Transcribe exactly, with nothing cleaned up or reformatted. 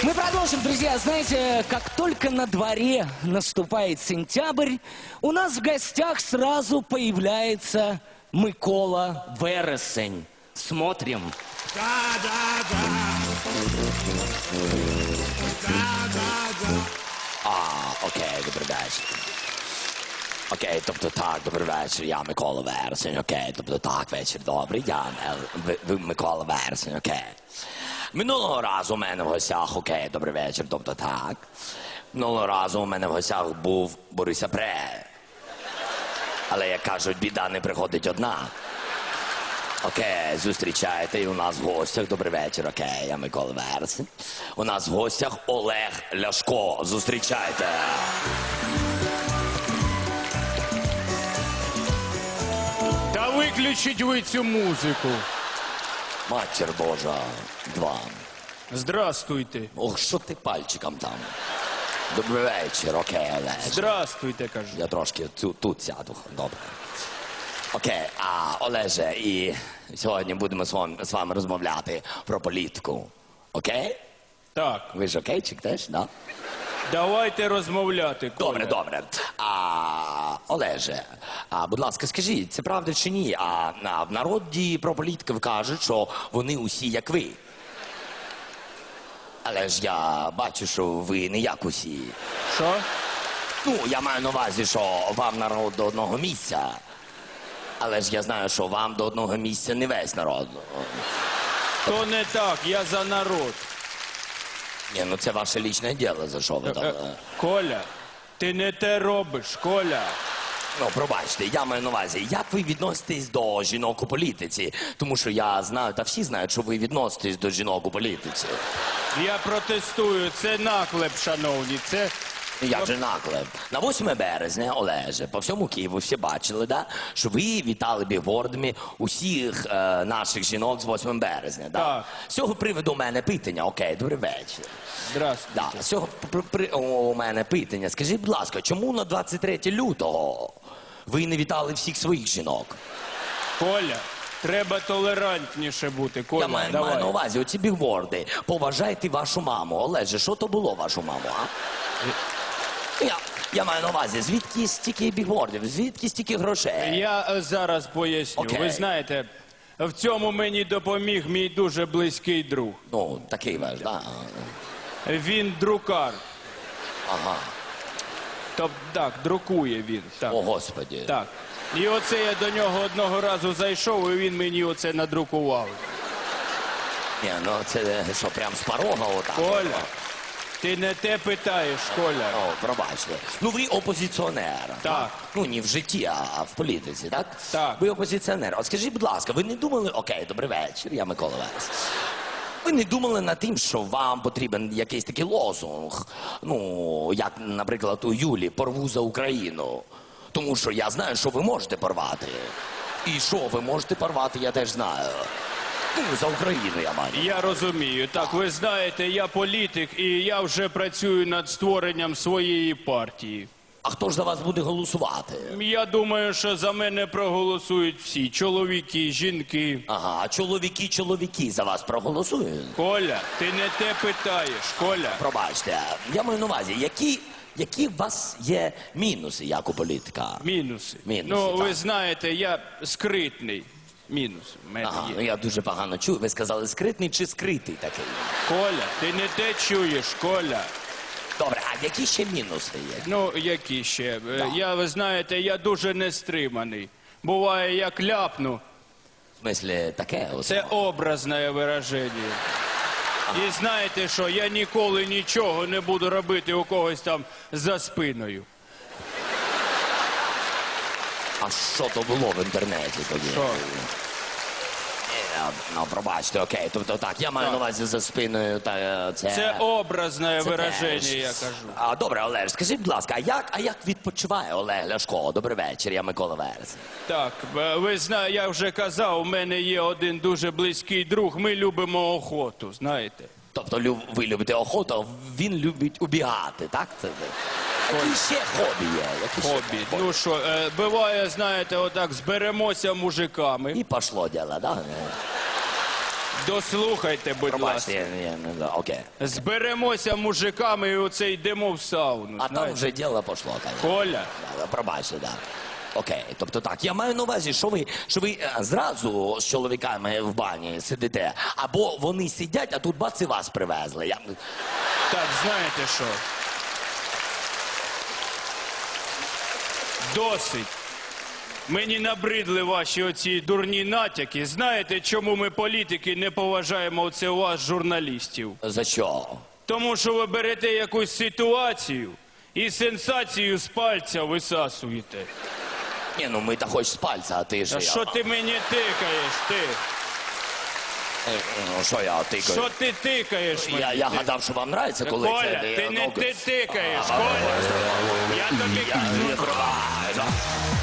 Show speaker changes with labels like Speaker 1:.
Speaker 1: Мы продолжим, друзья. Знаете, как только на дворе наступает сентябрь, у нас в гостях сразу появляется Микола Вересень. Смотрим.
Speaker 2: Да, да, да. Да, да, да.
Speaker 3: А, окей, добрий вечір. Окей, тобто так, добрий вечір, я Микола Вересень, окей, тобто так, вечір добрий, я Ел- ви, ви Микола Вересень, окей. Минулого разу у мене в гостях, окей, добрий вечір, тобто так. Минулого разу у мене в гостях був Борис Апрель. Але, як кажуть, біда не приходить одна. Окей, зустрічайте, і у нас в гостях, добрий вечір, окей, я Микола Вересень. У нас в гостях Олег Ляшко, зустрічайте.
Speaker 4: Та виключіть ви цю музику.
Speaker 3: Матір Божа, два.
Speaker 4: Здрастуйте.
Speaker 3: Ох, що ти пальчиком там? Добрий вечір, окей, Олег.
Speaker 4: Здрастуйте, кажу.
Speaker 3: Я трошки тут, тут сяду, добре. Окей, а Олеже, і сьогодні будемо з вами, з вами розмовляти про політику. Окей?
Speaker 4: Так,
Speaker 3: Ви ж окейчик теж, да?
Speaker 4: давайте розмовляти, Коля.
Speaker 3: Добре, добре. А, Олеже, а, будь ласка, скажіть, це правда чи ні? А, а в народі про політиків кажуть, що вони усі як ви. Але ж я бачу, що ви не як усі.
Speaker 4: Що?
Speaker 3: Ну, я маю на увазі, що вам народ до одного місця. Але ж я знаю, що вам до одного місця не весь народ.
Speaker 4: То не так, я за народ.
Speaker 3: Ні, ну це ваше лічне діло, за що ви
Speaker 4: Е,
Speaker 3: там.
Speaker 4: е, Коля, ти не те робиш, Коля.
Speaker 3: Ну, пробачте, я маю на увазі, як ви відноситесь до жінок у політиці? Тому що я знаю, та всі знають, що ви відноситесь до жінок у політиці.
Speaker 4: Я протестую, це наклеп, шановні, це...
Speaker 3: Як же наклеп? На восьме березня, Олеже, по всьому Києву всі бачили, да, що ви вітали бігбордами усіх е, наших жінок з восьмого березня. Да?
Speaker 4: Так.
Speaker 3: З цього приводу у мене питання. Окей, добрий вечір.
Speaker 4: Здрастуйте.
Speaker 3: Да, з цього при, при, у мене питання. Скажіть, будь ласка, чому на двадцять третє лютого ви не вітали всіх своїх жінок?
Speaker 4: Коля, треба толерантніше бути, Коля,
Speaker 3: Я маю,
Speaker 4: давай.
Speaker 3: маю на увазі оці бігборди. Поважайте вашу маму. Олеже, що то було вашу маму, а? Я, я маю на увазі, звідки стільки бігбордів, звідки стільки грошей?
Speaker 4: Я е, зараз поясню.
Speaker 3: Окей.
Speaker 4: Ви знаєте, в цьому мені допоміг мій дуже близький друг.
Speaker 3: Ну, такий ваш, да?
Speaker 4: Він друкар.
Speaker 3: Ага.
Speaker 4: Тобто, так, друкує він. Так.
Speaker 3: О, Господі.
Speaker 4: Так. І оце я до нього одного разу зайшов, і він мені оце надрукував.
Speaker 3: Ні, ну це що, прям з порога отак?
Speaker 4: Коля, ти не те питаєш, Коля.
Speaker 3: О, пробачте. Ну, ви опозиціонер.
Speaker 4: Так.
Speaker 3: Ну, не в житті, а в політиці, так?
Speaker 4: Так.
Speaker 3: Ви опозиціонер. От скажіть, будь ласка, ви не думали, окей, добрий вечір, я Микола Вересень. Ви не думали над тим, що вам потрібен якийсь такий лозунг, ну, як, наприклад, у Юлі «Порву за Україну». Тому що я знаю, що ви можете порвати. І що ви можете порвати, я теж знаю. Ну, за Україну я маю.
Speaker 4: Я розумію. Так, ви знаєте, я політик, і я вже працюю над створенням своєї партії.
Speaker 3: А хто ж за вас буде голосувати?
Speaker 4: Я думаю, що за мене проголосують всі. Чоловіки, жінки.
Speaker 3: Ага, а чоловіки, чоловіки за вас проголосують?
Speaker 4: Коля, ти не те питаєш, Коля.
Speaker 3: Пробачте, я маю на увазі, які, які у вас є мінуси, як у політика?
Speaker 4: Мінуси.
Speaker 3: Мінуси,
Speaker 4: Ну, ви
Speaker 3: так.
Speaker 4: знаєте, я скритний. Мінус в мене
Speaker 3: Ага, ну
Speaker 4: є.
Speaker 3: я дуже погано чую. Ви сказали скритний чи скритий такий?
Speaker 4: Коля, ти не те чуєш, Коля.
Speaker 3: Добре, а які ще мінуси є?
Speaker 4: Ну, які ще? Е, Я, ви знаєте, я дуже нестриманий. Буває, як ляпну.
Speaker 3: В смислі, таке? От?
Speaker 4: Це образне вираження. І знаєте що, я ніколи нічого не буду робити у когось там за спиною.
Speaker 3: А що то було в інтернеті тоді?
Speaker 4: Що?
Speaker 3: Ні, ну, пробачте, окей. Тобто так, я маю
Speaker 4: Так.
Speaker 3: на увазі за спиною, та е, це...
Speaker 4: Це образне
Speaker 3: Це
Speaker 4: вираження,
Speaker 3: теж.
Speaker 4: я кажу.
Speaker 3: А, добре, Олеж, скажіть, будь ласка, а як, а як відпочиває Олег Ляшко? Добрий вечір, я Микола Вересень.
Speaker 4: Так, е, ви знаєте, я вже казав, у мене є один дуже близький друг, ми любимо охоту, знаєте.
Speaker 3: Тобто лю- ви любите охоту, а він любить убігати, так? Це, які ще хобі є? Які ще
Speaker 4: Хобі. Ну що, е, буває, знаєте, отак зберемося мужиками,
Speaker 3: І пошло діло, да?
Speaker 4: Дослухайте, будь
Speaker 3: Пробачте,
Speaker 4: ласка.
Speaker 3: я, я, не да, окей.
Speaker 4: Зберемося мужиками і оце йдемо в сауну.
Speaker 3: А там
Speaker 4: знаєте.
Speaker 3: вже діло пішло, конечно.
Speaker 4: Коля,
Speaker 3: Да, пробачте, да. Окей, тобто так, я маю на увазі, що ви, що ви е, зразу з чоловіками в бані сидите, або вони сидять, а тут бац і вас привезли. Я...
Speaker 4: так, знаєте що? Досить. Мені набридли ваші оці дурні натяки. Знаєте, чому ми, політики, не поважаємо оце у вас, журналістів?
Speaker 3: За що?
Speaker 4: Тому що ви берете якусь ситуацію і сенсацію з пальця висасуєте.
Speaker 3: Ні, ну ми та хоч з пальця, а ти що
Speaker 4: А
Speaker 3: я?
Speaker 4: що ти мені тикаєш, ти?
Speaker 3: Е, Ну, що я тикаю?
Speaker 4: Що ти тикаєш мені?
Speaker 3: Я, я
Speaker 4: Ти-
Speaker 3: гадав, що вам нравиться, коли
Speaker 4: Коля,
Speaker 3: це...
Speaker 4: ти не
Speaker 3: ну,
Speaker 4: ти тикаєш, Коля. Я тобі
Speaker 3: Я
Speaker 4: кажу.
Speaker 3: не трогаю.